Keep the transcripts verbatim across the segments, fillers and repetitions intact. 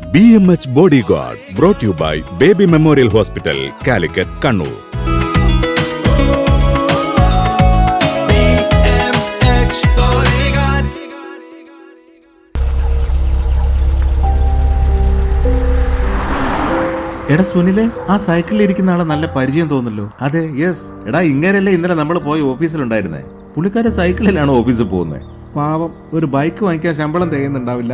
B M H Body Guard brought you by Baby Memorial Hospital, Calicut, Kannur. എടാ സുനിലെ, ആ സൈക്കിളിൽ ഇരിക്കുന്ന ആളെ നല്ല പരിചയം തോന്നല്ലോ. അതെ, യെസ്. എടാ ഇങ്ങനെയല്ലേ ഇന്നലെ നമ്മൾ പോയി ഓഫീസിലുണ്ടായിരുന്നേ. പുള്ളിക്കാരെ സൈക്കിളിലാണ് ഓഫീസിൽ പോകുന്നത്. പാവം, ഒരു ബൈക്ക് വാങ്ങിക്കാൻ ശമ്പളം തികയുന്നുണ്ടാവില്ല.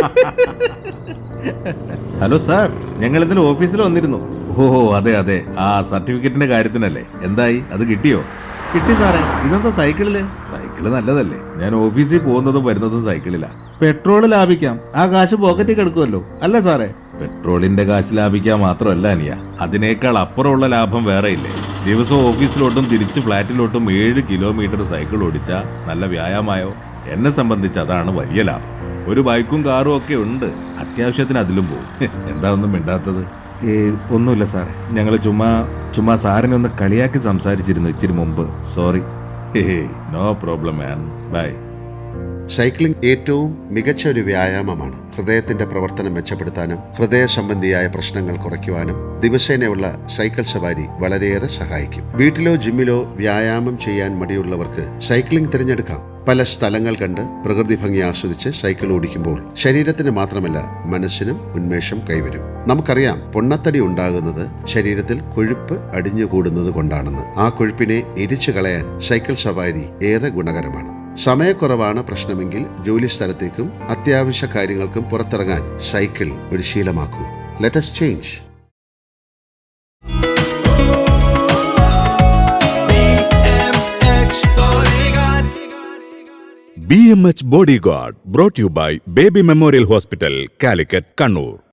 ഹലോ സാർ, ഞങ്ങൾ ഇന്നലെ ഓഫീസിൽ വന്നിരുന്നു. ഓ അതെ അതെ, ആ സർട്ടിഫിക്കറ്റിന്റെ കാര്യത്തിനല്ലേ. എന്തായി, അത് കിട്ടിയോ? കിട്ടി സാറേ. ഇതെന്താ സൈക്കിളില്? സൈക്കിള് നല്ലതല്ലേ. ഞാൻ ഓഫീസിൽ പോകുന്നതും വരുന്നതും സൈക്കിളിലാ. പെട്രോള് ലാഭിക്കാം, ആ കാശ് പോക്കറ്റിൽ കിടക്കുമല്ലോ അല്ലേ സാറേ? പെട്രോളിന്റെ കാശ് ലാഭിക്കാൻ മാത്രമല്ല അനിയ, അതിനേക്കാൾ അപ്പുറമുള്ള ലാഭം വേറെ ഇല്ലേ? ദിവസവും ഓഫീസിലോട്ടും തിരിച്ച് ഫ്ലാറ്റിലോട്ടും ഏഴ് കിലോമീറ്റർ സൈക്കിൾ ഓടിച്ചാൽ നല്ല വ്യായാമമായോ? എന്നെ സംബന്ധിച്ച് അതാണ് വലിയ ലാഭം. ഒരു ബൈക്കും കാറും ഒക്കെ ഉണ്ട്, അത്യാവശ്യത്തിന് അതിലും പോകും. എന്താ ഒന്നും മിണ്ടാത്തത്? ഏ ഒന്നുമില്ല സാറേ, ഞങ്ങൾ ചുമ്മാ ചുമ്മാ സാറിനെ ഒന്ന് കളിയാക്കി സംസാരിച്ചിരുന്നു ഇച്ചിരി മുമ്പ്. Sorry. No problem man, bye. Cycling ഏറ്റവും മികച്ച ഒരു വ്യായാമമാണ്. ഹൃദയത്തിന്റെ പ്രവർത്തനം മെച്ചപ്പെടുത്താനും ഹൃദയ സംബന്ധിയായ പ്രശ്നങ്ങൾ കുറയ്ക്കുവാനും ദിവസേനയുള്ള സൈക്കിൾ സവാരി വളരെയേറെ സഹായിക്കും. വീട്ടിലോ ജിമ്മിലോ വ്യായാമം ചെയ്യാൻ മടിയുള്ളവർക്ക് സൈക്ലിംഗ് തിരഞ്ഞെടുക്കാം. പല സ്ഥലങ്ങൾ കണ്ട് പ്രകൃതി ഭംഗി ആസ്വദിച്ച് സൈക്കിൾ ഓടിക്കുമ്പോൾ ശരീരത്തിന് മാത്രമല്ല മനസ്സിനും ഉന്മേഷം കൈവരും. നമുക്കറിയാം, പൊണ്ണത്തടി ഉണ്ടാകുന്നത് ശരീരത്തിൽ കൊഴുപ്പ് അടിഞ്ഞുകൂടുന്നത് കൊണ്ടാണെന്ന്. ആ കൊഴുപ്പിനെ എരിച്ചു കളയാൻ സൈക്കിൾ സവാരി ഏറെ ഗുണകരമാണ്. സമയക്കുറവാണ് പ്രശ്നമെങ്കിൽ ജോലി സ്ഥലത്തേക്കും അത്യാവശ്യ കാര്യങ്ങൾക്കും പുറത്തിറങ്ങാൻ സൈക്കിൾ ഒരു ശീലമാക്കൂ. Let us change. B M H Body Guard brought you by Baby Memorial Hospital, Calicut, Kannur.